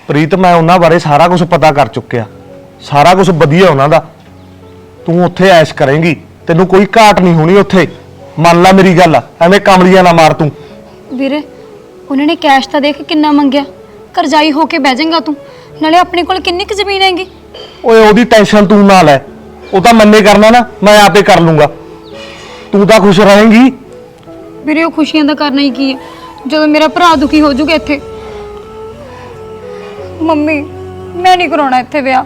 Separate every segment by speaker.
Speaker 1: ਪ੍ਰੀਤ ਮੈਂ ਉਹਨਾਂ ਬਾਰੇ ਸਾਰਾ ਕੁਝ ਪਤਾ ਕਰ ਚੁੱਕਿਆ, ਸਾਰਾ ਕੁਝ ਵਧੀਆ ਉਹਨਾਂ ਦਾ। ਤੂੰ ਉੱਥੇ ਐਸ਼ ਕਰੇਂਗੀ, ਤੈਨੂੰ ਕੋਈ ਘਾਟ ਨਹੀਂ ਹੋਣੀ ਉੱਥੇ। ਮੰਨ ਲੈ ਮੇਰੀ ਗੱਲ, ਐਵੇਂ ਕਮਲੀਆਂ ਨਾ ਮਾਰ ਤੂੰ।
Speaker 2: ਵੀਰੇ ਉਹਨਾਂ ਨੇ ਕੈਸ਼ ਤਾਂ ਦੇਖ ਕਿੰਨਾ ਮੰਗਿਆ, ਕਰਜ਼ਾਈ ਹੋ ਕੇ ਬਹਿ ਜਾਏਗਾ ਤੂੰ। ਨਾਲੇ ਆਪਣੇ ਕੋਲ ਕਿੰਨੀ ਕੁ ਜ਼ਮੀਨ ਹੈਗੀ।
Speaker 1: ਓਏ ਉਹਦੀ ਟੈਨਸ਼ਨ ਤੂੰ ਨਾ ਲੈ, ਉਹ ਤਾਂ ਮੰਨੇ ਕਰਨਾ ਨਾ, ਮੈਂ ਆਪੇ ਕਰ ਲੂੰਗਾ। ਤੂੰ ਤਾਂ ਖੁਸ਼ ਰਹੇਂਗੀ।
Speaker 2: ਵੀਰੇ ਉਹ ਖੁਸ਼ੀਆਂ ਦਾ ਕਰਨਾ ਹੀ ਕੀ ਹੈ ਜਦੋਂ ਮੇਰਾ ਭਰਾ ਦੁਖੀ ਹੋ ਜਾਊਗਾ ਇੱਥੇ। ਮੰਮੀ ਮੈਂ ਨਹੀਂ ਕਰਾਉਣਾ ਇੱਥੇ ਵਿਆਹ।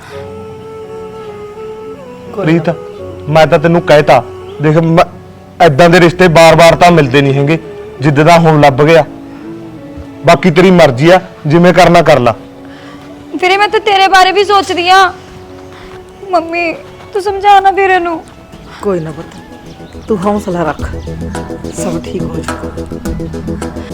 Speaker 1: ਪ੍ਰੀਤ ਮੈਂ ਤਾਂ ਤੈਨੂੰ ਕਹਿਤਾ, ਦੇਖ ਐਦਾਂ ਦੇ ਰਿਸ਼ਤੇ ਬਾਰ-ਬਾਰ ਤਾਂ ਮਿਲਦੇ ਨਹੀਂ ਹੈਗੇ ਜਿੱਦ ਦਾ ਹੁਣ ਲੱਭ ਗਿਆ। ਬਾਕੀ ਤੇਰੀ ਮਰਜ਼ੀ ਆ, ਜਿਵੇਂ ਕਰਨਾ ਕਰ ਲਾ।
Speaker 2: ਵੀਰੇ ਮੈਂ ਤਾਂ ਤੇਰੇ ਬਾਰੇ ਵੀ ਸੋਚਦੀ ਆ। ਮੰਮੀ ਤੂੰ ਸਮਝਾ ਨਾ ਵੀਰੇ ਨੂੰ।
Speaker 3: कोई ना पुत्र, तू हौसला रख, सब ठीक हो जाएगा।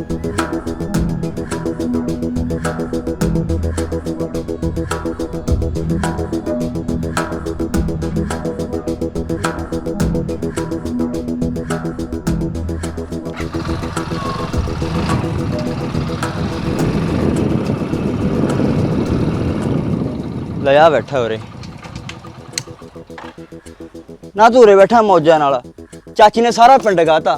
Speaker 4: ਲੈ ਆ ਬੈਠਾ ਉਰੇ ਨਾ, ਤੂੰ ਉਰੇ ਬੈਠਾ ਮੌਜਾਂ ਨਾਲ। ਚਾਚੀ ਨੇ ਸਾਰਾ ਪਿੰਡ ਗਾਤਾ,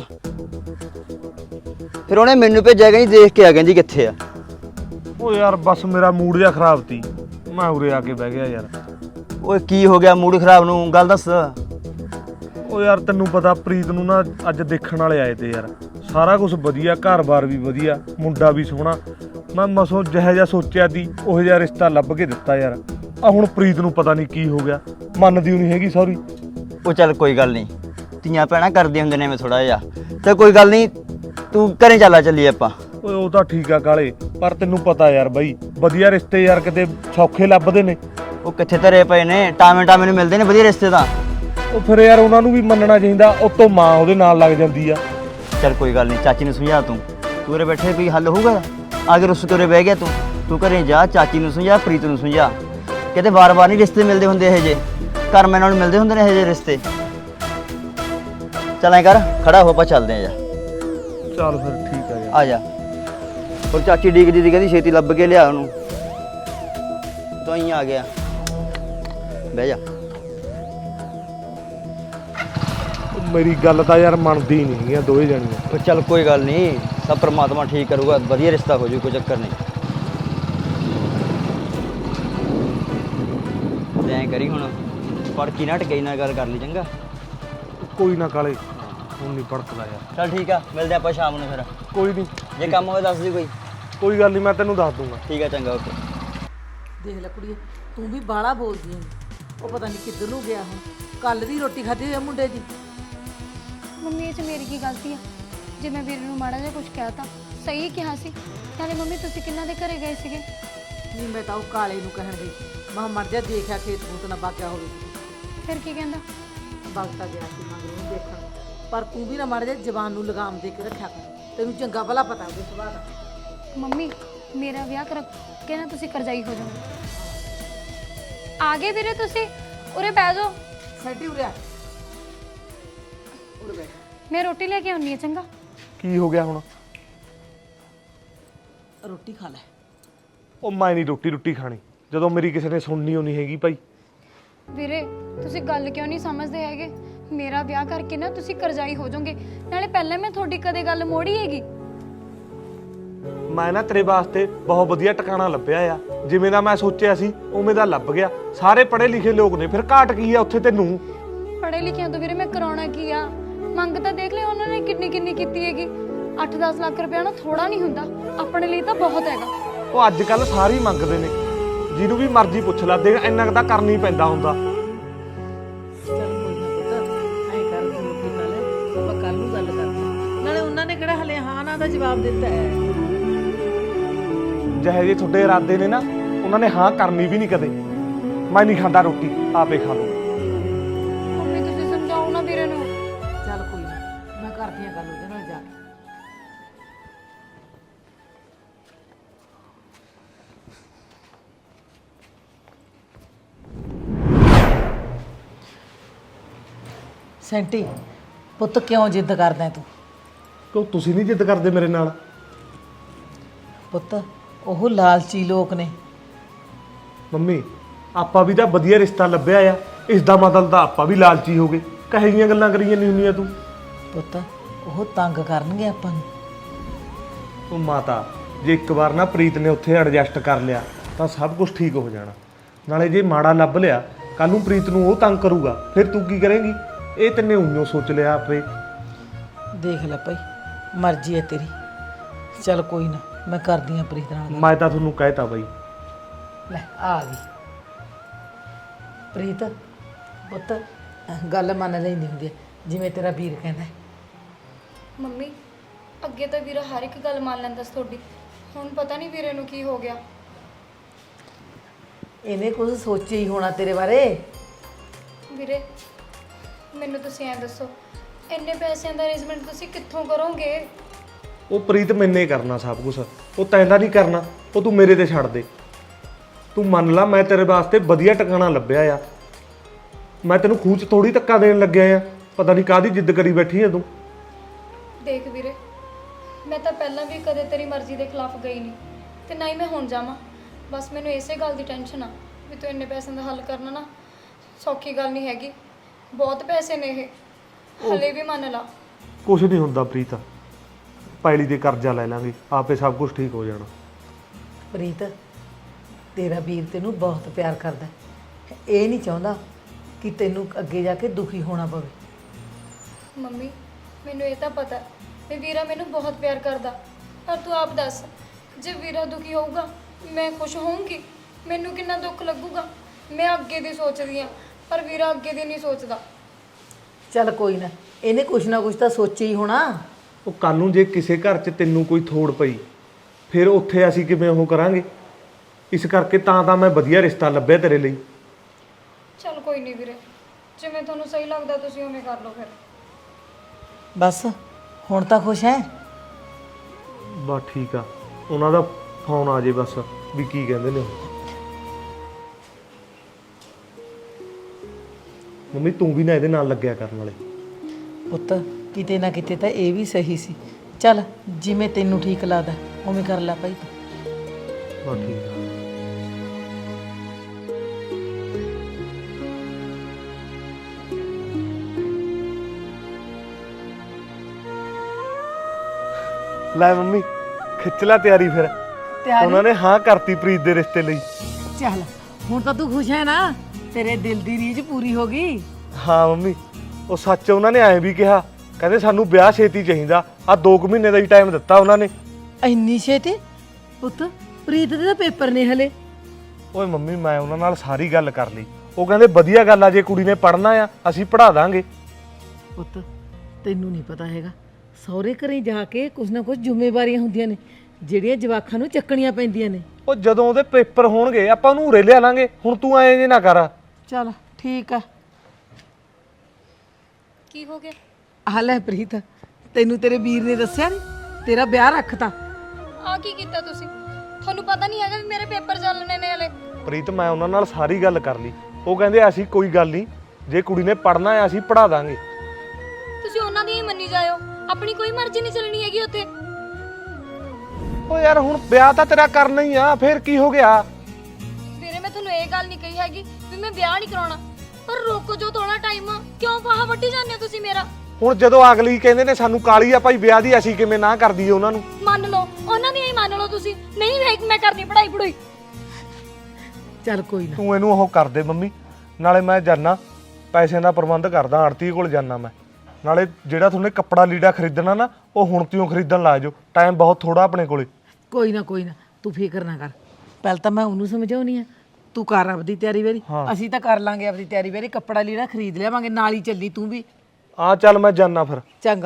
Speaker 4: ਫਿਰ ਉਹਨੇ ਮੈਨੂੰ ਭੇਜਿਆ, ਕਹਿੰਦੀ ਦੇਖ ਕੇ ਆ, ਕਹਿੰਦੀ ਕਿੱਥੇ ਆ।
Speaker 1: ਓ ਯਾਰ ਬਸ ਮੇਰਾ ਮੂਡ ਜਿਹਾ ਖਰਾਬ ਸੀ, ਮੈਂ ਉਰੇ ਆ ਕੇ ਬਹਿ ਗਿਆ ਯਾਰ।
Speaker 4: ਓਏ ਕੀ ਹੋ ਗਿਆ ਮੂਡ ਖਰਾਬ ਨੂੰ, ਗੱਲ ਦੱਸ।
Speaker 1: ਓ ਯਾਰ ਤੈਨੂੰ ਪਤਾ ਪ੍ਰੀਤ ਨੂੰ ਨਾ ਅੱਜ ਦੇਖਣ ਵਾਲੇ ਆਏ ਤੇ ਯਾਰ, ਸਾਰਾ ਕੁਝ ਵਧੀਆ, ਘਰ-ਬਾਰ ਵੀ ਵਧੀਆ, ਮੁੰਡਾ ਵੀ ਸੋਹਣਾ। ਮੈਂ ਮਸੋਂ ਜਿਹੋ ਜਿਹਾ ਸੋਚਿਆ ਸੀ ਉਹੋ ਜਿਹਾ ਰਿਸ਼ਤਾ ਲੱਭ ਕੇ ਦਿੱਤਾ ਯਾਰ। ਆ ਹੁਣ ਪ੍ਰੀਤ ਨੂੰ ਪਤਾ ਨਹੀਂ ਕੀ ਹੋ ਗਿਆ, ਮੰਨਦੀ ਨਹੀਂ ਹੈਗੀ ਸੌਰੀ।
Speaker 4: ਉਹ ਚੱਲ ਕੋਈ ਗੱਲ ਨਹੀਂ, ਧੀਆਂ ਭੈਣਾਂ ਕਰਦੇ ਹੁੰਦੇ ਨੇ ਐਵੇਂ ਥੋੜਾ ਜਿਹਾ। ਤੇ ਕੋਈ ਗੱਲ ਨਹੀਂ, ਤੂੰ ਘਰੇ ਚੱਲੀਏ ਆਪਾਂ।
Speaker 1: ਓਏ ਉਹ ਤਾਂ ਠੀਕ ਆ ਕਾਲੇ, ਪਰ ਤੈਨੂੰ ਪਤਾ ਯਾਰ ਬਈ ਵਧੀਆ ਰਿਸ਼ਤੇ ਯਾਰ ਕਿਤੇ ਸੌਖੇ ਲੱਭਦੇ ਨੇ।
Speaker 4: ਉਹ ਕਿੱਥੇ ਧਰੇ ਪਏ ਨੇ, ਟਾਵੇਂ ਨੂੰ ਮਿਲਦੇ ਨੇ ਵਧੀਆ ਰਿਸ਼ਤੇ ਤਾਂ।
Speaker 1: ਉਹ ਫਿਰ ਯਾਰ ਉਹਨਾਂ ਨੂੰ ਵੀ ਮੰਨਣਾ ਚਾਹੀਦਾ, ਉਤੋਂ ਮਾਂ ਉਹਦੇ ਨਾਲ ਲੱਗ ਜਾਂਦੀ ਆ।
Speaker 4: ਚੱਲ ਕੋਈ ਗੱਲ ਨਹੀਂ, ਚਾਚੀ ਨੂੰ ਸਮਝਾ ਤੂੰ ਉਰੇ ਬੈਠੇ ਕੋਈ ਹੱਲ ਹੋਊਗਾ। ਅਗਰ ਉਸ ਤੋਂ ਉਰੇ ਬਹਿ ਗਿਆ ਤੂੰ ਘਰੇ ਜਾ, ਚਾਚੀ ਨੂੰ ਸਮਝਾ, ਪ੍ਰੀਤ ਨੂੰ ਸਮਝਾ, ਕਿਤੇ ਵਾਰ-ਵਾਰ ਨਹੀਂ ਰਿਸ਼ਤੇ ਮਿਲਦੇ ਹੁੰਦੇ ਇਹੋ ਜਿਹੇ, ਘਰ ਮੈਂ ਨਾਲ ਮਿਲਦੇ ਹੁੰਦੇ ਨੇ ਇਹੋ ਜਿਹੇ ਰਿਸ਼ਤੇ। ਚੱਲ ਐ ਕਰ, ਖੜਾ ਹੋ, ਆਪਾਂ ਚੱਲਦੇ ਆ ਜਾ।
Speaker 1: ਚੱਲ ਫਿਰ ਠੀਕ ਆ ਯਾਰ,
Speaker 4: ਆ ਜਾ। ਹੋਰ ਚਾਚੀ ਡੀਕਦੀ ਦੀ, ਕਹਿੰਦੀ ਛੇਤੀ ਲੱਭ ਕੇ ਲਿਆ ਉਹਨੂੰ। ਤੂੰ ਹੀ ਆ ਗਿਆ, ਬਹਿ ਜਾ।
Speaker 1: ਮੇਰੀ ਗੱਲ ਤਾਂ ਯਾਰ ਮੰਨਦੀ ਹੀ ਨਹੀਂ ਹੈਗੀਆਂ ਦੋਵੇਂ ਜਾਣੀਆਂ।
Speaker 4: ਉਹ ਚੱਲ ਕੋਈ ਗੱਲ ਨਹੀਂ, ਸਭ ਪਰਮਾਤਮਾ ਠੀਕ ਕਰੂਗਾ, ਵਧੀਆ ਰਿਸ਼ਤਾ ਹੋ ਜੂ, ਕੋਈ ਚੱਕਰ ਨਹੀਂ। ਐਂ ਕਰੀ ਹੁਣ ਪੜ ਕੀ ਨਾ ਟਕਈ ਨਾਲ ਗੱਲ ਕਰ ਲਈ, ਚੰਗਾ।
Speaker 1: ਕੋਈ ਨਾ ਕਾਲੇ, ਹੁਣ ਨਹੀਂ ਭੜਕਦਾ ਯਾਰ।
Speaker 4: ਚੱਲ ਠੀਕ ਆ, ਮਿਲਦੇ ਆਪਾਂ ਸ਼ਾਮ ਨੂੰ ਫਿਰ।
Speaker 1: ਕੋਈ ਨਹੀਂ,
Speaker 4: ਜੇ ਕੰਮ ਹੋਵੇ ਦੱਸ ਦੀ ਕੋਈ।
Speaker 1: ਕੋਈ ਗੱਲ ਨਹੀਂ, ਮੈਂ ਤੈਨੂੰ ਦੱਸ ਦੂੰਗਾ।
Speaker 4: ਠੀਕ ਆ, ਚੰਗਾ, ਓਕੇ।
Speaker 3: देख ले कुड़िए, तू भी बाला बोलदी है। वो पता नहीं किधर नूं गया हूं, कल दी रोटी खाधी है मुंडे दी।
Speaker 2: ਮੰਮੀ ਇਹ 'ਚ ਮੇਰੀ ਕੀ ਗਲਤੀ ਆ ਜੇ ਮੈਂ ਵੀਰੇ ਨੂੰ ਮਾੜਾ ਜਿਹਾ ਕੁਝ ਕਹਿਤਾ। ਸਹੀ ਕਿਹਾ ਸੀ। ਨਾਲੇ ਮੰਮੀ ਤੁਸੀਂ ਕਿੰਨਾ ਦੇ ਘਰੇ ਗਏ ਸੀਗੇ?
Speaker 3: नहीं मैं तो काले नूं कहण गई, मैं मर जा देखा खेत खूत ना बाग्या होवे।
Speaker 2: ਫਿਰ ਕੀ ਕਹਿੰਦਾ?
Speaker 3: बगता गया सी मगर नूं देखण, पर तू भी ना मर जा जवान नूं लगाम दे के रखा कर, तेनू चंगा भला पता ਉਹਦੇ ਸੁਭਾਅ ਦਾ।
Speaker 2: ਮੰਮੀ ਮੇਰਾ ਵਿਆਹ ਕਰ ਕੇ ਨਾ ਤੁਸੀਂ ਕਰਜ਼ਾਈ ਹੋ ਜਾਓਗੇ। ਆ ਗਏ ਵੀਰੇ ਤੁਸੀਂ, ਉਰੇ ਬਹਿ ਜਾਓ।
Speaker 3: ਸੈਂਟੀ ਉਰੇ ਆ, ਉਰੇ ਬੈਠ।
Speaker 2: ਮੈਂ ਰੋਟੀ ਲੈ ਕੇ ਆਉਣੀ ਹੈ, ਚੰਗਾ।
Speaker 1: ਕੀ ਹੋ ਗਿਆ ਹੁਣ?
Speaker 3: ਰੋਟੀ ਖਾ ਲੈ।
Speaker 1: ਉਹ ਮੈਂ ਨਹੀਂ ਰੋਟੀ ਖਾਣੀ, ਜਦੋਂ ਮੇਰੀ ਕਿਸੇ ਨੇ ਸੁਣਨੀ ਹੋਣੀ ਹੈਗੀ ਭਾਈ।
Speaker 2: ਵੀਰੇ ਤੁਸੀਂ ਗੱਲ ਕਿਉਂ ਨਹੀਂ ਸਮਝਦੇ ਹੈਗੇ? ਮੇਰਾ ਵਿਆਹ ਕਰਕੇ ਨਾ ਤੁਸੀਂ ਕਰਜ਼ਾਈ ਹੋ ਜਾਓਗੇ। ਨਾਲੇ ਪਹਿਲਾਂ ਮੈਂ ਤੁਹਾਡੀ ਕਦੇ ਗੱਲ ਮੋੜੀ ਹੈਗੀ?
Speaker 1: ਮੈਂ ਨਾ ਤੇਰੇ ਵਾਸਤੇ ਬਹੁਤ ਵਧੀਆ ਟਿਕਾਣਾ ਲੱਭਿਆ ਆ, ਜਿਵੇਂ ਦਾ ਮੈਂ ਸੋਚਿਆ ਸੀ ਉਵੇਂ ਦਾ ਲੱਭ ਗਿਆ। ਸਾਰੇ ਪੜ੍ਹੇ ਲਿਖੇ ਲੋਕ ਨੇ, ਫਿਰ ਘਾਟ ਕੀ ਆ ਉੱਥੇ ਤੈਨੂੰ?
Speaker 2: ਪੜ੍ਹੇ ਲਿਖਿਆਂ ਤੋਂ ਵੀਰੇ ਮੈਂ ਕਰਾਉਣਾ ਕੀ ਆ? ਮੰਗ ਤਾਂ ਦੇਖ ਲਿਆ ਉਹਨਾਂ ਨੇ ਕਿੰਨੀ ਕੀਤੀ ਹੈਗੀ। 8-10 ਲੱਖ ਰੁਪਇਆ ਨਾ ਥੋੜਾ ਨਹੀਂ ਹੁੰਦਾ, ਆਪਣੇ ਲਈ ਤਾਂ ਬਹੁਤ ਹੈਗਾ।
Speaker 1: ਉਹ ਅੱਜ ਕੱਲ ਸਾਰੇ ਹੀ ਮੰਗਦੇ ਨੇ, ਜਿਹਨੂੰ ਵੀ ਮਰਜ਼ੀ ਪੁੱਛ ਲਾ, ਦੇਖ ਇੰਨਾ ਕੁ ਤਾਂ ਕਰਨਾ ਹੀ ਪੈਂਦਾ ਹੁੰਦਾ।
Speaker 3: ਚੱਲ ਕੋਈ ਨਾ ਪੁੱਤ, ਐਂ ਕਰ ਤੂੰ ਰੋਟੀ ਖਾ ਲੈ, ਆਪਾਂ ਕੱਲ ਨੂੰ ਗੱਲ ਕਰਦੇ ਹਾਂ। ਨਾਲੇ ਉਹਨਾਂ ਨੇ ਕਿਹੜਾ ਹਲੇ ਹਾਂ ਨਾ ਦਾ ਜਵਾਬ ਦਿੱਤਾ ਹੈ।
Speaker 1: ਜਿਹੇ ਜਿਹੇ ਤੁਹਾਡੇ ਇਰਾਦੇ ਨੇ ਨਾ, ਉਹਨਾਂ ਨੇ ਹਾਂ ਕਰਨੀ ਵੀ ਨਹੀਂ ਕਦੇ। ਮੈਂ ਨਹੀਂ ਖਾਂਦਾ ਰੋਟੀ, ਆਪੇ ਖਾ ਲਓ।
Speaker 2: ਮੰਮੀ ਤੁਸੀਂ ਸਮਝਾਓ ਨਾ ਵੀਰੇ ਨੂੰ।
Speaker 3: ਚੱਲ ਕੋਈ ਨਾ, ਮੈਂ ਕਰਦੀ ਹਾਂ ਗੱਲ ਉਹਦੇ ਨਾਲ ਜਾ ਕੇ। ਸੈਂਟੀ ਪੁੱਤ ਕਿਉਂ ਜਿੱਦ ਕਰਦਾ ਤੂੰ?
Speaker 1: ਕਿਉਂ ਤੁਸੀਂ ਨਹੀਂ ਜਿੱਦ ਕਰਦੇ ਮੇਰੇ ਨਾਲ?
Speaker 3: ਪੁੱਤ ਉਹ ਲਾਲਚੀ ਲੋਕ ਨੇ।
Speaker 1: ਮੰਮੀ ਆਪਾਂ ਵੀ ਤਾਂ ਵਧੀਆ ਰਿਸ਼ਤਾ ਲੱਭਿਆ ਆ, ਇਸ ਦਾ ਮਤਲਬ ਤਾਂ ਆਪਾਂ ਵੀ ਲਾਲਚੀ ਹੋ ਗਏ। ਕਹੇ ਜੀਆਂ ਗੱਲਾਂ ਕਰੀ ਜਾਂਦੀ ਹੁੰਦੀਆਂ ਤੂੰ।
Speaker 3: ਪੁੱਤ ਉਹ ਤੰਗ ਕਰਨਗੇ ਆਪਾਂ ਨੂੰ।
Speaker 1: ਉਹ ਮਾਤਾ, ਜੇ ਇੱਕ ਵਾਰ ਨਾ ਪ੍ਰੀਤ ਨੇ ਉੱਥੇ ਐਡਜਸਟ ਕਰ ਲਿਆ ਤਾਂ ਸਭ ਕੁਝ ਠੀਕ ਹੋ ਜਾਣਾ। ਨਾਲੇ ਜੇ ਮਾੜਾ ਲੱਭ ਲਿਆ, ਕੱਲ ਨੂੰ ਪ੍ਰੀਤ ਨੂੰ ਉਹ ਤੰਗ ਕਰੂਗਾ, ਫਿਰ ਤੂੰ ਕੀ ਕਰੇਂਗੀ? ਇਹ ਤੈਨੇ ਉਈਓ ਸੋਚ ਲਿਆ ਆਪੇ।
Speaker 3: ਦੇਖ ਲੈ ਭਾਈ, ਮਰਜ਼ੀ ਹੈ ਤੇਰੀ। ਚੱਲ ਕੋਈ ਨਾ, ਮੈਂ ਕਰਦੀ ਆ ਪ੍ਰੀਤ ਨਾਲ ਗੱਲ।
Speaker 1: ਮੈਂ ਤਾਂ ਤੁਹਾਨੂੰ ਕਹਿਤਾ ਬਾਈ।
Speaker 3: ਲੈ ਆ ਗਈ ਪ੍ਰੀਤ। ਪੁੱਤ ਗੱਲ ਮੰਨ ਲੈਂਦੀ ਹੁੰਦੀ ਹੈ, ਜਿਵੇਂ ਤੇਰਾ ਵੀਰ ਕਹਿੰਦਾ।
Speaker 2: ਮੰਮੀ ਅੱਗੇ ਤਾਂ ਵੀਰਾ ਹਰ ਇੱਕ ਗੱਲ ਮੰਨ ਲੈਂਦਾ ਸੀ ਤੁਹਾਡੀ, ਹੁਣ ਪਤਾ ਨਹੀਂ ਵੀਰੇ ਨੂੰ ਕੀ ਹੋ ਗਿਆ।
Speaker 3: ਇਹਨੇ ਕੁਝ ਸੋਚਿਆ ਹੀ ਹੋਣਾ ਤੇਰੇ ਬਾਰੇ।
Speaker 2: ਵੀਰੇ ਮੈਨੂੰ ਤੁਸੀਂ ਐਂ ਦੱਸੋ, ਇੰਨੇ ਪੈਸਿਆਂ ਦਾ ਅਰੇਂਜਮੈਂਟ ਤੁਸੀਂ ਕਿੱਥੋਂ ਕਰੋਗੇ?
Speaker 1: ਉਹ ਪ੍ਰੀਤ ਮੈਨੇ ਕਰਨਾ ਸਭ ਕੁਝ, ਉਹ ਤੈਨੂੰ ਨਹੀਂ ਕਰਨਾ। ਉਹ ਤੂੰ ਮੇਰੇ ਤੇ ਛੱਡ ਦੇ। ਤੂੰ ਮੰਨ ਲਾ, ਮੈਂ ਤੇਰੇ ਵਾਸਤੇ ਵਧੀਆ ਟਿਕਾਣਾ ਲੱਭਿਆ ਆ। ਮੈਂ ਤੈਨੂੰ ਖੂਹ 'ਚ ਥੋੜੀ ਧੱਕਾ ਦੇਣ ਲੱਗਿਆ ਆ। ਪਤਾ ਨਹੀਂ ਕਾਹਦੀ ਜਿੱਦ ਕਰੀ ਬੈਠੀ ਆ ਤੂੰ।
Speaker 2: ਦੇਖ ਵੀਰੇ, ਮੈਂ ਤਾਂ ਪਹਿਲਾਂ ਵੀ ਕਦੇ ਤੇਰੀ ਮਰਜ਼ੀ ਦੇ ਖਿਲਾਫ ਗਈ ਨਹੀਂ ਤੇ ਨਾ ਹੀ ਮੈਂ ਹੁਣ ਜਾਵਾਂ। ਬਸ ਮੈਨੂੰ ਇਸੇ ਗੱਲ ਦੀ ਟੈਨਸ਼ਨ ਆ ਵੀ ਤੂੰ ਇੰਨੇ ਪੈਸਿਆਂ ਦਾ ਹੱਲ ਕਰਨਾ ਨਾ ਸੌਖੀ ਗੱਲ ਨਹੀਂ ਹੈਗੀ। ਬਹੁਤ ਪੈਸੇ ਨੇ ਇਹ, ਹਲੇ ਵੀ ਮੰਨ ਲਾ।
Speaker 1: ਕੁਝ ਨਹੀਂ ਹੁੰਦਾ ਪ੍ਰੀਤ, ਪੈਲੀ ਦੇ ਕਰਜ਼ਾ ਲੈ ਲਾਂਗੇ, ਆਪੇ ਸਭ ਕੁਝ ਠੀਕ ਹੋ ਜਾਣਾ।
Speaker 3: ਪ੍ਰੀਤ ਤੇਰਾ ਵੀਰ ਤੈਨੂੰ ਬਹੁਤ ਪਿਆਰ ਕਰਦਾ ਹੈ। ਇਹ ਨਹੀਂ ਚਾਹੁੰਦਾ ਕਿ ਤੈਨੂੰ ਅੱਗੇ ਜਾ ਕੇ ਦੁਖੀ ਹੋਣਾ ਪਵੇ।
Speaker 2: ਮੰਮੀ ਮੈਨੂੰ ਇਹ ਤਾਂ ਪਤਾ ਵੀ ਵੀਰਾ ਮੈਨੂੰ ਬਹੁਤ ਪਿਆਰ ਕਰਦਾ, ਪਰ ਤੂੰ ਆਪ ਦੱਸ, ਜੇ ਵੀਰਾ ਦੁਖੀ ਹੋਊਗਾ ਮੈਂ ਖੁਸ਼ ਹੋਊਂਗੀ? ਮੈਨੂੰ ਕਿੰਨਾ ਦੁੱਖ ਲੱਗੂਗਾ। ਮੈਂ ਅੱਗੇ ਦੀ ਸੋਚਦੀ ਆ, ਪਰ ਵੀਰਾ ਅੱਗੇ ਦੀ ਨਹੀਂ ਸੋਚਦਾ।
Speaker 3: ਚੱਲ ਕੋਈ ਨਾ, ਇਹਨੇ ਕੁਛ ਨਾ ਕੁਛ ਤਾਂ ਸੋਚਿਆ ਹੀ ਹੋਣਾ।
Speaker 1: ਉਹ ਕੱਲ ਨੂੰ ਜੇ ਕਿਸੇ ਘਰ 'ਚ ਤੈਨੂੰ ਕੋਈ ਥੋੜ ਪਈ, ਫਿਰ ਉੱਥੇ ਅਸੀਂ ਕਿਵੇਂ ਉਹ ਕਰਾਂਗੇ? ਇਸ ਕਰਕੇ ਤਾਂ ਮੈਂ ਵਧੀਆ ਰਿਸ਼ਤਾ ਲੱਭਿਆ ਤੇਰੇ ਲਈ।
Speaker 2: ਚੱਲ ਕੋਈ ਨਹੀਂ ਵੀਰੇ, ਜਿਵੇਂ ਤੁਹਾਨੂੰ ਸਹੀ ਲੱਗਦਾ ਤੁਸੀਂ ਉਵੇਂ ਕਰ ਲਓ ਫਿਰ।
Speaker 3: ਬਸ ਹੁਣ ਤਾਂ ਖੁਸ਼ ਹੈ?
Speaker 1: ਬਸ ਠੀਕ ਆ, ਉਹਨਾਂ ਦਾ ਫੋਨ ਆ ਜੇ ਬਸ ਵੀ ਕੀ ਕਹਿੰਦੇ ਨੇ ਉਹ। ਮੰਮੀ ਤੂੰ ਵੀ ਨਾ ਇਹਦੇ ਨਾਲ ਲੱਗਿਆ ਕਰਨ ਵਾਲੇ।
Speaker 3: ਪੁੱਤ ਕਿਤੇ ਨਾ ਕਿਤੇ ਤਾਂ ਇਹ ਵੀ ਸਹੀ ਸੀ। ਚੱਲ ਜਿਵੇਂ ਤੈਨੂੰ ਠੀਕ ਲੱਗਦਾ ਉਵੇਂ ਕਰ ਲੈ ਭਾਈ ਤੂੰ।
Speaker 1: ਬਸ ਠੀਕ ਆ। ਲੈ ਮੰਮੀ, ਖਿੱਚ ਲੈ ਤਿਆਰੀ ਫਿਰ। ਉਹਨਾਂ ਨੇ ਹਾਂ ਕਰਤੀ ਪ੍ਰੀਤ ਦੇ ਰਿਸ਼ਤੇ ਲਈ।
Speaker 3: ਚੱਲ ਹੁਣ ਤਾਂ ਤੂੰ ਖੁਸ਼ ਹੈ ਨਾ? ਤੇਰੇ ਦਿਲ ਦੀ ਰੀਝ ਪੂਰੀ ਹੋ ਗਈ।
Speaker 1: ਹਾਂ ਮੰਮੀ, ਉਹ ਸੱਚ ਉਹਨਾਂ ਨੇ ਐਂ ਵੀ ਕਿਹਾ, ਕਹਿੰਦੇ ਸਾਨੂੰ ਵਿਆਹ ਛੇਤੀ ਚਾਹੀਦਾ। ਆ 2 ਮਹੀਨੇ ਦਾ ਹੀ ਟਾਈਮ ਦਿੱਤਾ ਉਹਨਾਂ ਨੇ।
Speaker 3: ਇੰਨੀ ਛੇਤੀ? ਪੁੱਤ ਪ੍ਰੀਤ ਦੇ ਤਾਂ ਪੇਪਰ ਨੇ ਹਲੇ।
Speaker 1: ਓਏ ਮੰਮੀ ਮੈਂ ਉਹਨਾਂ ਨਾਲ ਸਾਰੀ ਗੱਲ ਕਰ ਲਈ। ਉਹ ਕਹਿੰਦੇ ਵਧੀਆ ਗੱਲ ਆ, ਜੇ ਕੁੜੀ ਨੇ ਪੜ੍ਹਨਾ ਆ ਅਸੀਂ ਪੜ੍ਹਾ ਦਾਂਗੇ।
Speaker 3: ਪੁੱਤ ਤੈਨੂੰ ਨਹੀਂ ਪਤਾ ਹੈਗਾ, ਸਹੁਰੇ ਘਰੇ ਜਾ ਕੇ ਕੁਛ ਨਾ ਕੁਛ ਜ਼ਿੰਮੇਵਾਰੀਆਂ ਹੁੰਦੀਆਂ ਨੇ ਜਿਹੜੀਆਂ ਜਵਾਕਾਂ ਨੂੰ ਚੱਕਣੀਆਂ ਪੈਂਦੀਆਂ ਨੇ।
Speaker 1: ਉਹ ਜਦੋਂ ਉਹਦੇ ਪੇਪਰ ਹੋਣਗੇ ਆਪਾਂ ਉਹਨੂੰ ਉਰੇ ਲਿਆ ਲਾਂਗੇ। ਹੁਣ ਤੂੰ ਐਂ ਜੇ ਨਾ ਕਰ।
Speaker 3: ਚੱਲ ਠੀਕ ਆ।
Speaker 2: ਕੀ ਹੋ ਗਿਆ?
Speaker 3: ਆ ਲੈ ਪ੍ਰੀਤ, ਤੈਨੂੰ ਤੇਰੇ ਵੀਰ ਨੇ ਦੱਸਿਆ ਨਹੀਂ? ਤੇਰਾ ਵਿਆਹ ਰੱਖਤਾ।
Speaker 2: ਆ ਕੀ ਕੀਤਾ ਤੁਸੀਂ? ਤੁਹਾਨੂੰ ਪਤਾ ਨਹੀਂ ਹੈਗਾ ਵੀ ਮੇਰੇ ਪੇਪਰ ਚੱਲਣੇ ਨੇ ਹਲੇ?
Speaker 1: ਪ੍ਰੀਤ ਮੈਂ ਉਹਨਾਂ ਨਾਲ ਸਾਰੀ ਗੱਲ ਕਰ ਲਈ। ਉਹ ਕਹਿੰਦੇ ਅਸੀਂ ਕੋਈ ਗੱਲ ਨਹੀਂ, ਜੇ ਕੁੜੀ ਨੇ ਪੜ੍ਹਨਾ ਹੈ ਅਸੀਂ ਪੜ੍ਹਾ ਦਾਂਗੇ।
Speaker 2: ਤੁਸੀਂ ਉਹਨਾਂ ਦੀ ਹੀ ਮੰਨੀ ਜਾਇਓ, ਆਪਣੀ ਕੋਈ ਮਰਜ਼ੀ ਨਹੀਂ ਚੱਲਣੀ ਹੈਗੀ ਉੱਥੇ।
Speaker 1: ਓ ਯਾਰ ਹੁਣ ਵਿਆਹ ਤਾਂ ਤੇਰਾ ਕਰਨਾ ਹੀ ਆ, ਫੇਰ ਕੀ ਹੋ ਗਿਆ?
Speaker 2: ਵੀਰੇ ਮੈਂ ਤੁਹਾਨੂੰ ਇਹ ਗੱਲ ਨਹੀਂ ਕਹੀ ਹੈਗੀ ਵੀ ਮੈਂ ਵਿਆਹ ਨਹੀਂ ਕਰਾਉਣਾ, ਪਰ ਰੋਕੋ ਜੋ ਥੋੜਾ ਟਾਈਮ। ਕਿਉਂ ਫਾਹਾ ਵੱਟੀ ਜਾਂਦੇ ਹੋ ਤੁਸੀਂ ਮੇਰਾ?
Speaker 1: ਹੁਣ ਜਦੋਂ ਅਗਲੀ ਕਹਿੰਦੇ ਨੇ ਸਾਨੂੰ ਕਾਲੀ ਆ ਭਾਈ ਵਿਆਹ ਦੀ, ਅਸੀਂ ਕਿਵੇਂ ਨਾ ਕਰ ਦਈਏ ਉਹਨਾਂ ਨੂੰ?
Speaker 2: ਮੰਨ ਲਓ, ਉਹਨਾਂ ਦੀ ਹੀ ਮੰਨ ਲਓ ਤੁਸੀਂ। ਨਹੀਂ ਮੈਂ ਕਰਨੀ ਪੜਾਈ ਪੜੂਈ।
Speaker 3: ਚੱਲ ਕੋਈ ਨਾ।
Speaker 1: ਤੂੰ ਇਹਨੂੰ ਉਹ ਕਰ ਦੇ ਮੰਮੀ। ਨਾਲੇ ਮੈਂ ਜਾਣਾ ਪੈਸਿਆਂ ਦਾ ਪ੍ਰਬੰਧ ਕਰਦਾ, ਆੜਤੀ ਕੋਲ ਜਾਣਾ ਮੈਂ। ਨਾਲੇ ਜਿਹੜਾ ਤੁਹਾਨੂੰ ਕੱਪੜਾ ਲੀੜਾ ਖਰੀਦਣਾ ਨਾ, ਉਹ ਹੁਣ ਤੋਂ ਖਰੀਦਣ ਲਾ ਜਾਓ। ਟਾਈਮ ਬਹੁਤ ਥੋੜਾ ਆਪਣੇ ਕੋਲੇ।
Speaker 3: ਕੋਈ ਨਾ ਤੂੰ ਫਿਕਰ ਨਾ ਕਰ। ਪਹਿਲਾਂ ਤਾਂ ਮੈਂ ਉਹਨੂੰ ਸਮਝਾਉਣੀ ਆ, ਤੂੰ ਕਰ ਆਪਦੀ ਤਿਆਰੀ ਵੇਰੀ। ਅਸੀਂ ਤਾਂ ਕਰ ਲਾਂਗੇ ਆਪਦੀ ਤਿਆਰੀ ਵੇਰੀ, ਕੱਪੜਾ ਲੀੜਾ ਖਰੀਦ ਲਿਆਵਾਂਗੇ, ਨਾਲ ਹੀ ਚੱਲੀ ਤੂੰ ਵੀ।
Speaker 1: ਆ ਚੱਲ ਮੈਂ ਜਾਣਾ ਫਿਰ।
Speaker 3: ਚੰਗਾ।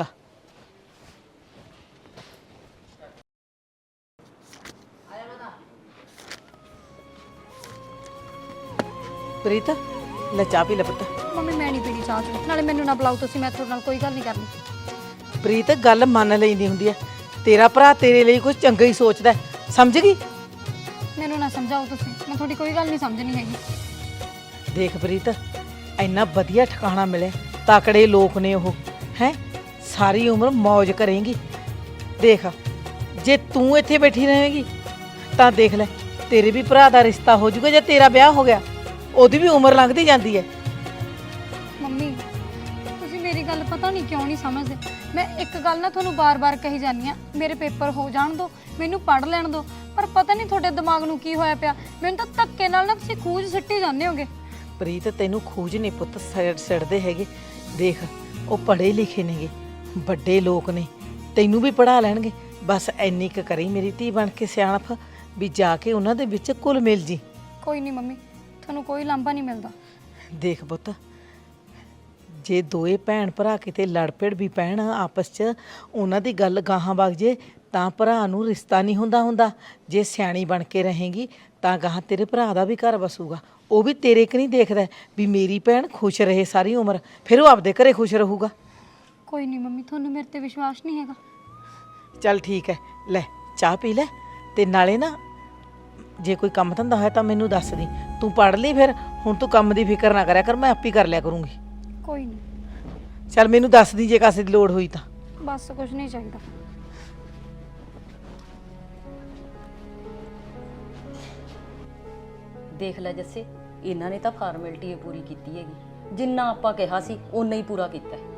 Speaker 3: ਪ੍ਰੀਤ ਲੈ ਚਾਹ ਪੀ ਲੈ ਪੁੱਤ।
Speaker 2: ਮੰਮੀ ਮੈਂ ਨਹੀਂ ਪੀਣੀ ਚਾਹ ਚੂਹ। ਨਾਲੇ ਮੈਨੂੰ ਨਾ ਬੁਲਾਓ ਤੁਸੀਂ, ਮੈਂ ਤੁਹਾਡੇ ਨਾਲ ਕੋਈ ਗੱਲ ਨਹੀਂ ਕਰਨੀ।
Speaker 3: ਪ੍ਰੀਤ ਗੱਲ ਮੰਨ ਲੈਂਦੀ ਹੁੰਦੀ ਹੈ, ਤੇਰਾ ਭਰਾ ਤੇਰੇ ਲਈ ਕੁਝ ਚੰਗਾ ਹੀ ਸੋਚਦਾ, ਸਮਝ ਗਈ?
Speaker 2: ਮੈਨੂੰ ਨਾ ਸਮਝਾਓ ਤੁਸੀਂ, ਮੈਂ ਤੁਹਾਡੀ ਕੋਈ ਗੱਲ ਨਹੀਂ ਸਮਝਣੀ ਹੈਗੀ।
Speaker 3: ਦੇਖ ਪ੍ਰੀਤ, ਇੰਨਾ ਵਧੀਆ ਠਿਕਾਣਾ ਮਿਲੇ, ਤਕੜੇ ਲੋਕ ਨੇ ਉਹ, ਹੈ ਸਾਰੀ ਉਮਰ ਮौज ਕਰੇਂਗੀ। ਦੇਖ ਜੇ ਤੂੰ ਇੱਥੇ ਬੈਠੀ ਰਹੇਂਗੀ ਤਾਂ ਦੇਖ ਲੈ, ਤੇਰੇ ਵੀ ਭਰਾ ਦਾ ਰਿਸ਼ਤਾ ਹੋ ਜਾਊਗਾ ਜੇ ਤੇਰਾ ਵਿਆਹ ਹੋ ਗਿਆ। ਉਹਦੀ ਵੀ ਉਮਰ ਲੰਘਦੀ ਜਾਂਦੀ ਹੈ।
Speaker 2: ਮੰਮੀ ਤੁਸੀਂ ਮੇਰੀ ਗੱਲ ਪਤਾ ਨਹੀਂ ਕਿਉਂ ਨਹੀਂ ਸਮਝਦੇ। ਮੈਂ ਇੱਕ ਗੱਲ ਨਾ ਤੁਹਾਨੂੰ ਬਾਰ-ਬਾਰ ਕਹੀ ਜਾਂਦੀ ਆ, ਮੇਰੇ ਪੇਪਰ ਹੋ ਜਾਣ ਦਿਓ, ਮੈਨੂੰ ਪੜ੍ਹ ਲੈਣ ਦਿਓ, ਪਰ ਪਤਾ ਨਹੀਂ ਤੁਹਾਡੇ ਦਿਮਾਗ ਨੂੰ ਕੀ ਹੋਇਆ ਪਿਆ, ਮੈਨੂੰ ਤਾਂ ਧੱਕੇ ਨਾਲ ਨਾ ਤੁਸੀਂ ਖੂਜ ਸਿੱਟੀ ਜਾਂਦੇ ਹੋਗੇ।
Speaker 3: ਪ੍ਰੀਤ ਤੈਨੂੰ ਖੂਜ ਨਹੀਂ ਪੁੱਤ ਸਿੱਟਦੇ ਹੈਗੇ। ਦੇਖ ਉਹ ਪੜ੍ਹੇ ਲਿਖੇ ਨੇਗੇ, ਵੱਡੇ ਲੋਕ ਨੇ, ਤੈਨੂੰ ਵੀ ਪੜ੍ਹਾ ਲੈਣਗੇ। ਬਸ ਇੰਨੀ ਕੁ ਕਰੀ ਮੇਰੀ ਧੀ ਬਣ ਕੇ ਸਿਆਣਪ ਵੀ ਜਾ ਕੇ ਉਹਨਾਂ ਦੇ ਵਿੱਚ ਘੁਲ ਮਿਲ ਜੀ।
Speaker 2: ਕੋਈ ਨਹੀਂ ਮੰਮੀ, ਤੁਹਾਨੂੰ ਕੋਈ ਲਾਂਭਾ ਨਹੀਂ ਮਿਲਦਾ।
Speaker 3: ਦੇਖ ਪੁੱਤ, ਜੇ ਦੋਏ ਭੈਣ ਭਰਾ ਕਿਤੇ ਲੜ ਪੜ ਵੀ ਪੈਣ ਆਪਸ 'ਚ, ਉਹਨਾਂ ਦੀ ਗੱਲ ਗਾਹਾਂ ਵਗ ਜੇ ਤਾਂ ਭਰਾ ਨੂੰ ਰਿਸ਼ਤਾ ਨਹੀਂ ਹੁੰਦਾ। ਜੇ ਸਿਆਣੀ ਬਣ ਕੇ ਰਹੇਗੀ ਤਾਂ ਗਾਹਾਂ ਤੇਰੇ ਭਰਾ ਦਾ ਵੀ ਘਰ ਵਸੂਗਾ। ਉਹ ਵੀ ਤੇਰੇ ਕਿ ਨਹੀਂ ਦੇਖਦਾ ਵੀ ਮੇਰੀ ਭੈਣ ਖੁਸ਼ ਰਹੇ ਸਾਰੀ ਉਮਰ, ਫਿਰ ਉਹ ਆਪਦੇ ਘਰੇ ਖੁਸ਼ ਰਹੂਗਾ।
Speaker 2: ਕੋਈ ਨਹੀਂ ਮੰਮੀ, ਤੁਹਾਨੂੰ ਮੇਰੇ ਤੇ ਵਿਸ਼ਵਾਸ ਨਹੀਂ ਹੈਗਾ।
Speaker 3: ਚੱਲ ਠੀਕ ਹੈ, ਲੈ ਚਾਹ ਪੀ ਲੈ, ਤੇ ਨਾਲੇ ਨਾ ਜੇ ਕੋਈ ਕੰਮ ਧੰਦਾ ਹੋਇਆ ਤਾਂ ਮੈਨੂੰ ਦੱਸ ਦੀ। ਤੂੰ ਪੜ੍ਹ ਲਈ, ਫਿਰ ਹੁਣ ਤੂੰ ਕੰਮ ਦੀ ਫਿਕਰ ਨਾ ਕਰਿਆ ਕਰ, ਮੈਂ ਆਪੇ ਕਰ ਲਿਆ ਕਰੂੰਗੀ।
Speaker 2: ਕੋਈ ਨਹੀਂ,
Speaker 3: ਚੱਲ ਮੈਨੂੰ ਦੱਸ ਦੀ ਜੇ ਕਾਸੇ ਦੀ ਲੋੜ ਹੋਈ ਤਾਂ।
Speaker 2: ਬਸ ਕੁਝ ਨਹੀਂ ਚਾਹੀਦਾ।
Speaker 5: ਦੇਖ ਲੈ ਜੱਸੇ, ਇਹਨਾਂ ਨੇ ਤਾਂ ਫਾਰਮੈਲਿਟੀ ਪੂਰੀ ਕੀਤੀ ਹੈਗੀ, ਜਿੰਨਾ ਆਪਾਂ ਕਿਹਾ ਸੀ ਓਨਾ ਹੀ ਪੂਰਾ ਕੀਤਾ ਹੈ।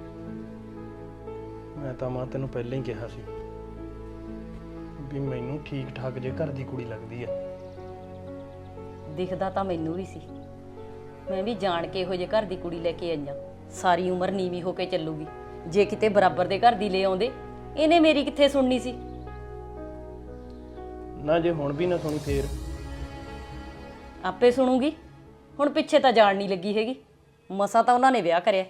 Speaker 6: ਮੈਂ ਤਾਂ ਮਾਂ ਤੈਨੂੰ ਪਹਿਲਾਂ ਹੀ ਕਿਹਾ ਸੀ ਵੀ ਮੈਨੂੰ ਠੀਕ ਠਾਕ ਜੇ ਘਰ ਦੀ ਕੁੜੀ ਲੱਗਦੀ ਆ।
Speaker 5: ਦਿਖਦਾ ਤਾਂ ਮੈਨੂੰ ਵੀ ਸੀ, ਮੈਂ ਵੀ ਜਾਣ ਕੇ ਇਹੋ ਜਿਹੇ ਘਰ ਦੀ ਕੁੜੀ ਲੈ ਕੇ ਆਈਆਂ। ਸਾਰੀ ਉਮਰ ਨੀਵੀਂ ਹੋ ਕੇ ਚੱਲੂਗੀ। ਜੇ ਕਿਤੇ ਬਰਾਬਰ ਦੇ ਘਰ ਦੀ ਲੈ ਆਉਂਦੇ, ਇਹਨੇ ਮੇਰੀ ਕਿੱਥੇ ਸੁਣਨੀ ਸੀ।
Speaker 6: ਨਾ ਜੇ ਹੁਣ ਵੀ ਨਾ ਸੁਣੀ ਫੇਰ
Speaker 5: ਆਪੇ ਸੁਣੂਗੀ। ਹੁਣ ਪਿੱਛੇ ਤਾਂ ਜਾਣ ਨਹੀਂ ਲੱਗੀ ਹੈਗੀ, ਮਸਾਂ ਤਾਂ ਉਹਨਾਂ ਨੇ ਵਿਆਹ ਕਰਿਆ।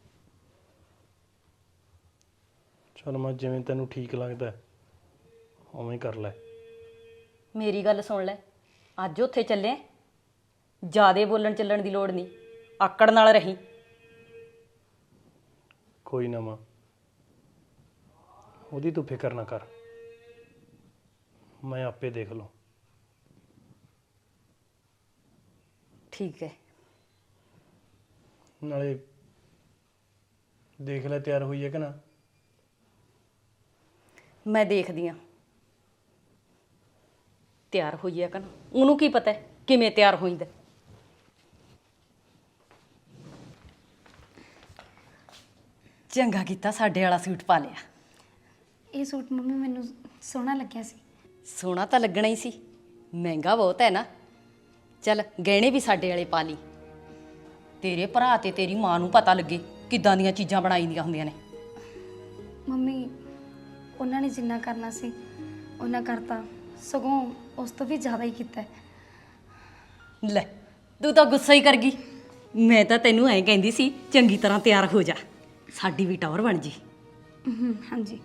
Speaker 6: ਚਲ ਮਾਂ, ਜਿਵੇਂ ਤੈਨੂੰ ਠੀਕ ਲੱਗਦਾ ਉਵੇਂ ਹੀ ਕਰ ਲੈ।
Speaker 5: ਮੇਰੀ ਗੱਲ ਸੁਣ ਲੈ, ਅੱਜ ਉੱਥੇ ਚੱਲੇ, ਜ਼ਿਆਦੇ ਬੋਲਣ ਚੱਲਣ ਦੀ ਲੋੜ ਨਹੀਂ, ਆਕੜ ਨਾਲ ਰਹੀ।
Speaker 6: ਕੋਈ ਨਾ ਮਾਂ, ਉਹਦੀ ਤੂੰ ਫਿਕਰ ਨਾ ਕਰ, ਮੈਂ ਆਪੇ ਦੇਖ ਲਵਾਂ।
Speaker 5: ਠੀਕ ਹੈ।
Speaker 6: ਨਾਲੇ ਦੇਖ ਲੈ ਤਿਆਰ ਹੋਈ ਹੈ ਕਿ ਨਾ।
Speaker 5: ਮੈਂ ਦੇਖਦੀ ਆ ਤਿਆਰ ਹੋਈ ਆ ਕਿ ਨਾ, ਉਹਨੂੰ ਕੀ ਪਤਾ ਕਿਵੇਂ ਤਿਆਰ ਹੋਈਦਾ। ਚੰਗਾ ਕੀਤਾ ਸਾਡੇ ਵਾਲਾ ਸੂਟ ਪਾ ਲਿਆ।
Speaker 2: ਇਹ ਸੂਟ ਮੰਮੀ ਮੈਨੂੰ ਸੋਹਣਾ ਲੱਗਿਆ ਸੀ।
Speaker 5: ਸੋਹਣਾ ਤਾਂ ਲੱਗਣਾ ਹੀ ਸੀ, ਮਹਿੰਗਾ ਬਹੁਤ ਹੈ ਨਾ। ਚੱਲ ਗਹਿਣੇ ਵੀ ਸਾਡੇ ਵਾਲੇ ਪਾ ਲਈ, ਤੇਰੇ ਭਰਾ ਤੇ ਤੇਰੀ ਮਾਂ ਨੂੰ ਪਤਾ ਲੱਗੇ ਕਿੱਦਾਂ ਦੀਆਂ ਚੀਜ਼ਾਂ ਬਣਾਈ ਦੀਆਂ ਹੁੰਦੀਆਂ ਨੇ।
Speaker 2: ਮੰਮੀ ਉਹਨਾਂ ਨੇ ਜਿੰਨਾ ਕਰਨਾ ਸੀ ਉਹਨਾਂ ਕਰਤਾ, ਸਗੋਂ ਉਸ ਤੋਂ ਵੀ ਜ਼ਿਆਦਾ ਹੀ ਕੀਤਾ ਹੈ।
Speaker 5: ਲੈ ਤੂੰ ਤਾਂ ਗੁੱਸਾ ਹੀ ਕਰ ਗਈ। ਮੈਂ ਤਾਂ ਤੈਨੂੰ ਐਂ ਕਹਿੰਦੀ ਸੀ ਚੰਗੀ ਤਰ੍ਹਾਂ ਤਿਆਰ ਹੋ ਜਾ, ਸਾਡੀ ਵੀ ਟੌਰ ਬਣ ਜੀ।
Speaker 2: ਹਾਂਜੀ।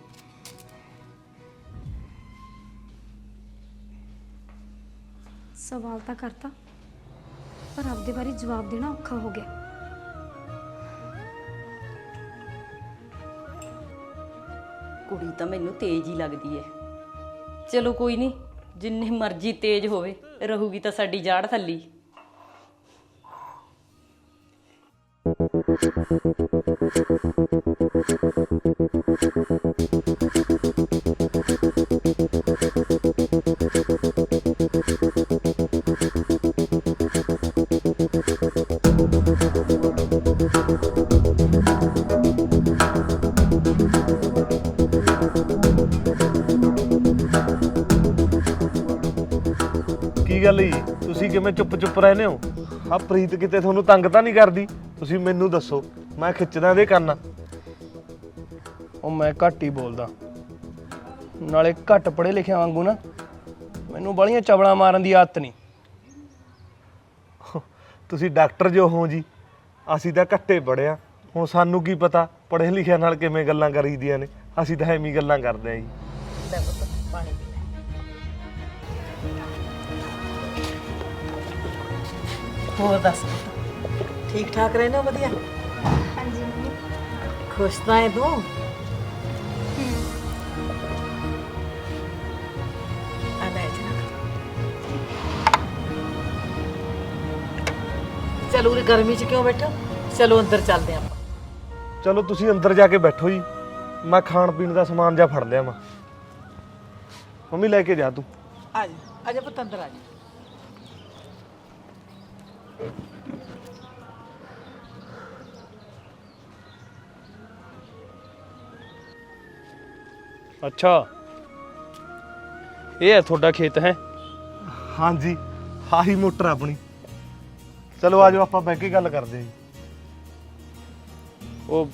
Speaker 2: ਸਵਾਲ ਤਾਂ ਕਰਤਾ, ਪਰ ਆਪਦੇ ਬਾਰੇ ਜਵਾਬ ਦੇਣਾ ਔਖਾ ਹੋ ਗਿਆ।
Speaker 5: ਕੁੜੀ ਤਾਂ ਮੈਨੂੰ ਤੇਜ਼ ਹੀ ਲੱਗਦੀ ਏ। ਚਲੋ ਕੋਈ ਨਹੀਂ, ਜਿੰਨੀ ਮਰਜ਼ੀ ਤੇਜ਼ ਹੋਵੇ, ਰਹੂਗੀ ਤਾਂ ਸਾਡੀ ਜਾੜ ਥੱਲੀ।
Speaker 1: ਕੀ ਗੱਲ ਜੀ, ਤੁਸੀਂ ਕਿਵੇਂ ਚੁੱਪ ਰਹਿੰਦੇ ਹੋ? ਆ ਪ੍ਰੀਤ ਕਿਤੇ ਤੁਹਾਨੂੰ ਤੰਗ ਤਾਂ ਨਹੀਂ ਕਰਦੀ? ਤੁਸੀਂ ਮੈਨੂੰ ਦੱਸੋ, ਮੈਂ ਖਿੱਚਦਾ ਇਹਦੇ ਕੰਨ।
Speaker 6: ਉਹ ਮੈਂ ਘੱਟ ਹੀ ਬੋਲਦਾ, ਨਾਲੇ ਘੱਟ ਪੜ੍ਹੇ ਲਿਖਿਆ ਵਾਂਗੂ ਨਾ ਮੈਨੂੰ ਬਾਲੀਆਂ ਚਵਲਾਂ ਮਾਰਨ ਦੀ ਆਦਤ ਨਹੀਂ।
Speaker 1: ਤੁਸੀਂ ਡਾਕਟਰ ਜੋ ਹੋ ਜੀ, ਅਸੀਂ ਤਾਂ ਘੱਟੇ ਪੜ੍ਹਿਆ, ਹੁਣ ਸਾਨੂੰ ਕੀ ਪਤਾ ਪੜ੍ਹੇ ਲਿਖਿਆ ਨਾਲ ਕਿਵੇਂ ਗੱਲਾਂ ਕਰੀਦੀਆਂ ਨੇ। ਅਸੀਂ ਤਾਂ ਐਵੇਂ ਗੱਲਾਂ ਕਰਦੇ ਹਾਂ ਜੀ।
Speaker 3: ਲੈ ਪੁੱਤ ਪਾਣੀ ਪੀ ਲੈ। ਹੋਰ ਦੱਸ ਪੁੱਤ, ਠੀਕ ਠਾਕ ਰਹਿੰਦੇ ਹੋ? ਵਧੀਆ।
Speaker 2: ਹਾਂਜੀ ਮੰਮੀ।
Speaker 3: ਖੁਸ਼ ਤਾਂ ਹੈ ਤੂੰ? ਆ ਲੈ ਜਰਾ। ਚਲੋ ਉਰੇ ਗਰਮੀ 'ਚ ਕਿਉਂ ਬੈਠੋ, ਚਲੋ ਅੰਦਰ ਚੱਲਦੇ ਆਪਾਂ।
Speaker 1: ਚਲੋ ਤੁਸੀਂ ਅੰਦਰ ਜਾ ਕੇ ਬੈਠੋ ਜੀ, ਮੈਂ ਖਾਣ ਪੀਣ ਦਾ ਸਮਾਨ ਜਾ ਫੜ ਲਿਆ। ਮੰਮੀ ਲੈ ਕੇ ਜਾ ਤੂੰ।
Speaker 3: ਆ ਜਾ। ਆ ਜਾ ਪੁੱਤ ਅੰਦਰ ਆ ਜਾ।
Speaker 6: ਅੱਛਾ, ਇਹ ਹੈ ਤੁਹਾਡਾ ਖੇਤ ਹੈ?
Speaker 1: ਹਾਂਜੀ ਆਹੀ ਮੋਟਰ ਆਪਣੀ। ਚਲੋ ਆਜੋ ਆਪਾਂ ਬਹਿ ਕੇ ਗੱਲ ਕਰਦੇ ਹਾਂ ਜੀ।
Speaker 6: ਉਹ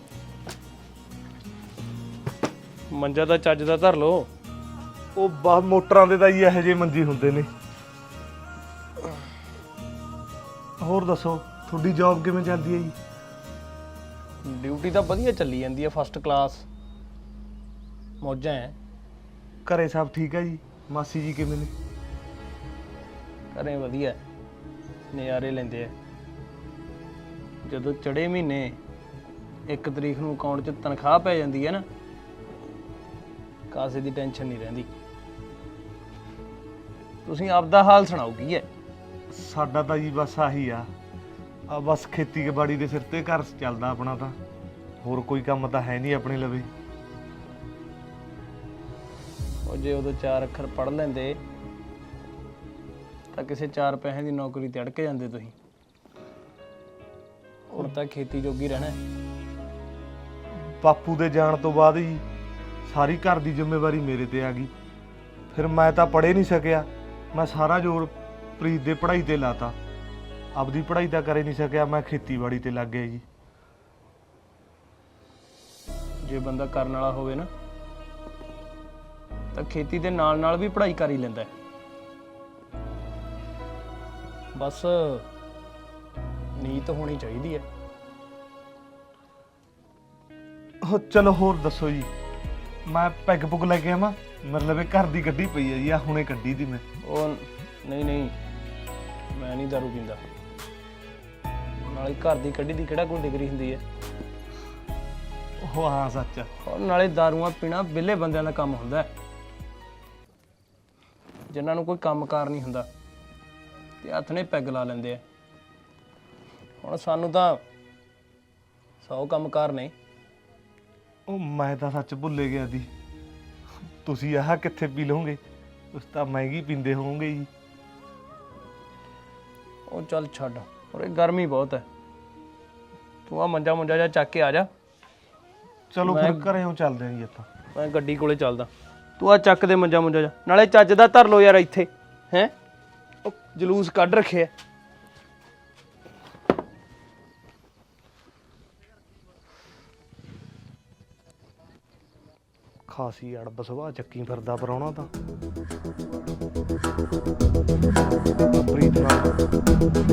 Speaker 6: ਮੰਜਾ ਤਾਂ ਚੱਜ ਦਾ ਧਰ ਲਓ।
Speaker 1: ਉਹ ਬਸ ਮੋਟਰਾਂ ਦੇ ਤਾਂ ਜੀ ਇਹੋ ਜਿਹੇ ਮੰਜੀ ਹੁੰਦੇ ਨੇ। ਹੋਰ ਦੱਸੋ ਤੁਹਾਡੀ ਜੌਬ ਕਿਵੇਂ ਚੱਲਦੀ ਹੈ ਜੀ?
Speaker 6: ਡਿਊਟੀ ਤਾਂ ਵਧੀਆ ਚੱਲੀ ਜਾਂਦੀ ਹੈ, ਫਸਟ ਕਲਾਸ ਮੌਜਾਂ ਹੈ।
Speaker 1: ਘਰੇ ਸਭ ਠੀਕ ਹੈ ਜੀ? ਮਾਸੀ ਜੀ ਕਿਵੇਂ ਨੇ?
Speaker 6: ਘਰੇ ਵਧੀਆ ਨਜ਼ਾਰੇ ਲੈਂਦੇ ਆ। ਜਦੋਂ ਚੜੇ ਮਹੀਨੇ 1 ਤਰੀਕ ਨੂੰ ਅਕਾਊਂਟ 'ਚ ਤਨਖਾਹ ਪੈ ਜਾਂਦੀ ਹੈ ਨਾ, ਕਾਸੇ ਦੀ ਟੈਨਸ਼ਨ ਨਹੀਂ ਰਹਿੰਦੀ। ਤੁਸੀਂ ਆਪਦਾ ਹਾਲ ਸੁਣਾਓ, ਕੀ ਹੈ?
Speaker 1: ਸਾਡਾ ਤਾਂ ਜੀ ਬਸ ਆਹੀ ਆ ਬਸ ਖੇਤੀਬਾੜੀ ਦੇ ਸਿਰ ਤੇ ਘਰ ਚੱਲਦਾ ਆਪਣਾ। ਤਾਂ ਹੋਰ ਕੋਈ ਕੰਮ ਤਾਂ ਹੈ ਨਹੀਂ ਆਪਣੇ ਲਵੇ।
Speaker 6: ਉਹ ਜੇ ਉਦੋਂ 4 ਅੱਖਰ ਪੜ੍ਹ ਲੈਂਦੇ ਤਾਂ ਕਿਸੇ 4 ਪੈਸੇ ਦੀ ਨੌਕਰੀ ਤੇ ਅੜਕ ਜਾਂਦੇ ਤੁਸੀਂ। ਹੁਣ ਤਾਂ ਖੇਤੀ ਜੋਗੀ ਰਹਿਣਾ ਹੈ।
Speaker 1: ਬਾਪੂ ਦੇ ਜਾਣ ਤੋਂ ਬਾਅਦ ਜੀ ਸਾਰੀ ਘਰ ਦੀ ਜ਼ਿੰਮੇਵਾਰੀ ਮੇਰੇ ਤੇ ਆ ਗਈ। ਫਿਰ ਮੈਂ ਤਾਂ ਪੜ੍ਹ ਨਹੀਂ ਸਕਿਆ। ਮੈਂ ਸਾਰਾ ਜ਼ੋਰ ਪ੍ਰੀਤ ਦੇ ਪੜ੍ਹਾਈ ਤੇ ਲਾਤਾ। ਆਪਦੀ ਪੜ੍ਹਾਈ ਤਾਂ ਕਰ ਹੀ ਨਹੀਂ ਸਕਿਆ, ਮੈਂ ਖੇਤੀਬਾੜੀ ਤੇ ਲੱਗ ਗਿਆ ਜੀ।
Speaker 6: ਜੇ ਬੰਦਾ ਕਰਨ ਵਾਲਾ ਹੋਵੇ ਨਾ ਤਾਂ ਖੇਤੀ ਦੇ ਨਾਲ ਨਾਲ ਵੀ ਪੜ੍ਹਾਈ ਕਰ ਹੀ ਲੈਂਦਾ ਹੈ। ਬਸ ਨੀਤ ਹੋਣੀ ਚਾਹੀਦੀ ਹੈ।
Speaker 1: ਚਲੋ ਹੋਰ ਦੱਸੋ ਜੀ। ਮੈਂ ਪੈਗ ਪੁੱਗ ਲੈ ਕੇ ਆਵਾਂ? ਮਤਲਬ ਇਹ ਘਰ ਦੀ ਗੱਡੀ ਪਈ ਹੈ ਜੀ, ਆ ਹੁਣੇ ਕੱਢੀ ਦੀ ਮੈਂ।
Speaker 6: ਉਹ ਨਹੀਂ ਨਹੀਂ, ਮੈਂ ਨਹੀਂ ਦਾਰੂ ਪੀਂਦਾ। ਨਾਲੇ ਘਰ ਦੀ ਕੱਢੀ ਦੀ ਕਿਹੜਾ ਕੋਈ ਡਿਗਰੀ ਹੁੰਦੀ ਹੈ?
Speaker 1: ਉਹ ਹਾਂ ਸੱਚ।
Speaker 6: ਔਰ ਨਾਲੇ ਦਾਰੂਆਂ ਪੀਣਾ ਵਿਹਲੇ ਬੰਦਿਆਂ ਦਾ ਕੰਮ ਹੁੰਦਾ ਹੈ, ਜਿਨ੍ਹਾਂ ਨੂੰ ਕੋਈ ਕੰਮਕਾਰ ਨਹੀਂ ਹੁੰਦਾ ਤੇ ਹੱਥ ਨੇ ਪੈਗ ਲਾ ਲੈਂਦੇ ਆ। ਹੁਣ ਸਾਨੂੰ ਤਾਂ 100 ਕੰਮਕਾਰ ਨੇ।
Speaker 1: ਉਹ ਮੈਂ ਤਾਂ ਸੱਚ ਭੁੱਲੇ ਗਿਆ ਦੀ। ਤੁਸੀਂ ਆਹ ਕਿੱਥੇ ਪੀ ਲਓਗੇ? ਤੁਸੀਂ ਤਾਂ ਮਹਿੰਗੀ ਪੀਂਦੇ ਹੋਵੋਗੇ ਜੀ।
Speaker 6: ਉਹ ਚੱਲ ਛੱਡ, ਔਰ ਗਰਮੀ ਬਹੁਤ ਹੈ। ਤੂੰ ਆ ਮੰਜਾ ਮੁੰਜਾ ਜਾ ਚੱਕ ਕੇ ਆ ਜਾ।
Speaker 1: ਚਲੋ ਫਿਰ ਘਰੇੋਂ ਚੱਲਦੇ ਹਾਂ ਜੀ ਆਪਾਂ।
Speaker 6: ਮੈਂ ਗੱਡੀ ਕੋਲੇ ਚੱਲਦਾ, ਤੂੰ ਆ ਚੱਕ ਦੇ ਮੰਜਾ ਮੁੰਜਾ ਜਾ। ਨਾਲੇ ਚੱਜ ਦਾ ਧਰ ਲੋ ਯਾਰ ਇੱਥੇ ਹੈ। ਉਹ ਜਲੂਸ ਕੱਢ ਰੱਖਿਆ।
Speaker 1: ਖਾਸੀ ਅੜਬ ਸੁਭਾਅ ਚੱਕੀ ਫਿਰਦਾ ਪਰਾਉਣਾ ਤਾਂ। ਪ੍ਰੀਤ ਨਾਲ